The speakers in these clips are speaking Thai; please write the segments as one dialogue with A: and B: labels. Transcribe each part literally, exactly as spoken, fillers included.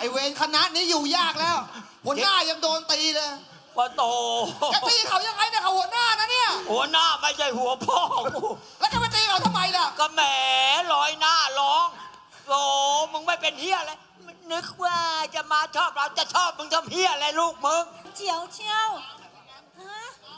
A: อ้เวรคณะนี้อยู่ยากแล้วหัวหน้ายังโดนตีเลย
B: ปะโต
A: จะตีเขายังไงเนี่ยเขาหัวหน้านะเนี่ย
B: หัวหน้าไม่ใช่หัวพ่อกู
A: แล้วจะมาตีเขาทำไมล่ะ
B: ก็แหมลอยหน้าร้องโอ้มึงไม่เป็นเฮียอะไรนึกว่าจะมาชอบเราจะชอบมึงทำเฮียอะไรลูกมึง
C: เจียวเชียวฮะ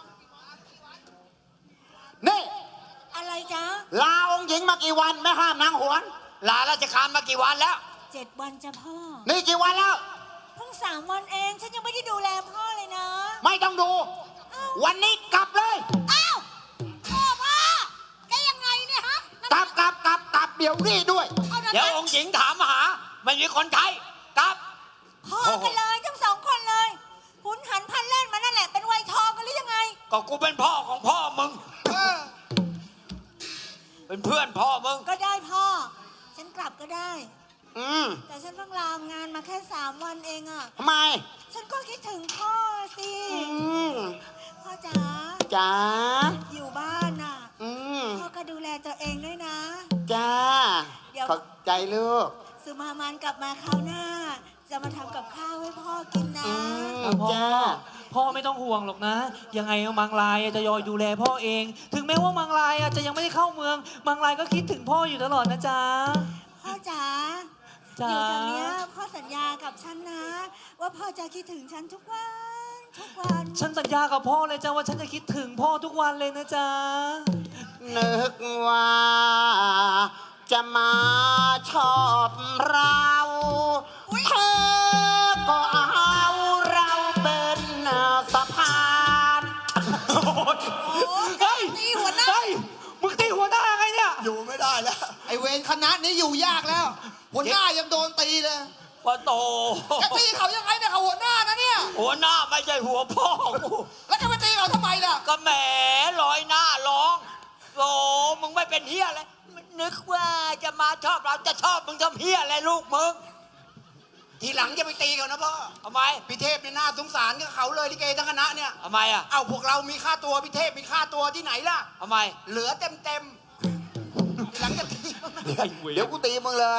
D: นี่
C: อะไรจ๊ะ
D: ลาองค์หญิงมากี่วันแม่ห้ามนางหวน
B: ลาราชการมากี่วันแล้ว
C: เจ็ดวันจ้ะพ่อ
D: นี่กี่วันแล้ว
C: เพิ่งสามวันเองฉันยังไม่ได้ดูแลพ่อเลยนะ
D: ไม่ต้องดู
C: อ้าว
D: วันนี้กลับเลย
C: อ้าวพ่อพ่อแกยังไงเนี่ยฮะ
D: กลับกลับกลับกลับเดี๋ยวนี้ด้วย
C: เอานะ
B: เดี๋ยวองค์หญิงถามหาไม่มีคนไทยกลับ
C: พ่อกันเลยทั้งสองคนเลยหุนหันพันเล่นมานั่นแหละเป็นวัยทองกันหรือยังไง
B: ก็กูเป็นพ่อของพ่อมึง
A: เออ
B: เป็นเพื่อนพ่อมึง
C: ก็ได้พ่อ ฉันกลับก็ได้
D: อืม
C: แต่ฉันเพิ่งลางานมาแค่สามวันเองอะ
D: ทำไม
C: ฉันก็คิดถึงพ่อสิ
D: อืม
C: พ่อจ๋า
D: จ้า
C: อยู่บ้านน่ะ
D: อืม
C: พ่อก็ดูแลตัวเองด้วยนะ
D: จ้า
C: เดี๋ยว
D: ขอบใจลูก
C: สุมามันกลับมาคราวหน้า จะมาทำกับข้าวให้พ่อกินนะ
D: อืม
E: พ่อ
D: จ้า
E: พ่อไม่ต้องห่วงหรอกนะ ยังไงมังลายจะยอยดูแลพ่อเอง ถึงแม้ว่ามังลายจะยังไม่ได้เข้าเมือง มังลายก็คิดถึงพ่ออยู่ตลอดนะจ๊ะ
C: พ่อจ๋า
E: จ๋า
C: อยู่ทางเนี้ยพ่อสัญญากับฉันนะ ว่าพ่อจะคิดถึงฉันทุกวัน ทุกวัน
E: ฉันสัญญากับพ่อเลยจ้ะว่าฉันจะคิดถึงพ่อทุกวันเลยนะจ๊ะ
D: นึกว่า จะมาชอบเราเธอก็เอาเราเป็นสะพาน
E: เฮ้ย
C: ตีหัวหน้า
E: เฮ้ย มึงตีหัวหน้าไงเนี่ย
A: อยู่ไม่ได้แล้วไอ้เวรคณะนี้อยู่ยากแล้วหัวหน้ายังโดนตีเลย
B: ปะโต
A: จะตีเขายังไงเนี่ยเขาหัวหน้านะเนี่ย
B: หัวหน้าไม่ใช่หัวพ่อกู
A: แล้วจะมาตีเขาทำไมล่ะ
B: ก็แหมลอยหน้าร้องโอ้มึงไม่เป็นเฮียอะไรนึกว่าจะมาชอบเราจะชอบมึงทำเฮียอะไรลูกมึง
D: ทีหลังจะไปตีเขานะพ่อ
B: ทำไม
D: พี่เทพเนี่ยน่าสงสารกับเขาเลยลิเกทั้งคณะเนี่ย
B: ทำไมอ่ะ
D: เอาพวกเรามีค่าตัวพี่เทพมีค่าตัวที่ไหนล่ะ
B: ทำไม
D: เหลือเต็มเต็มๆทีหลังจะตี
E: ไอ้เวร
D: เดี๋ยวกูตีมึงเลย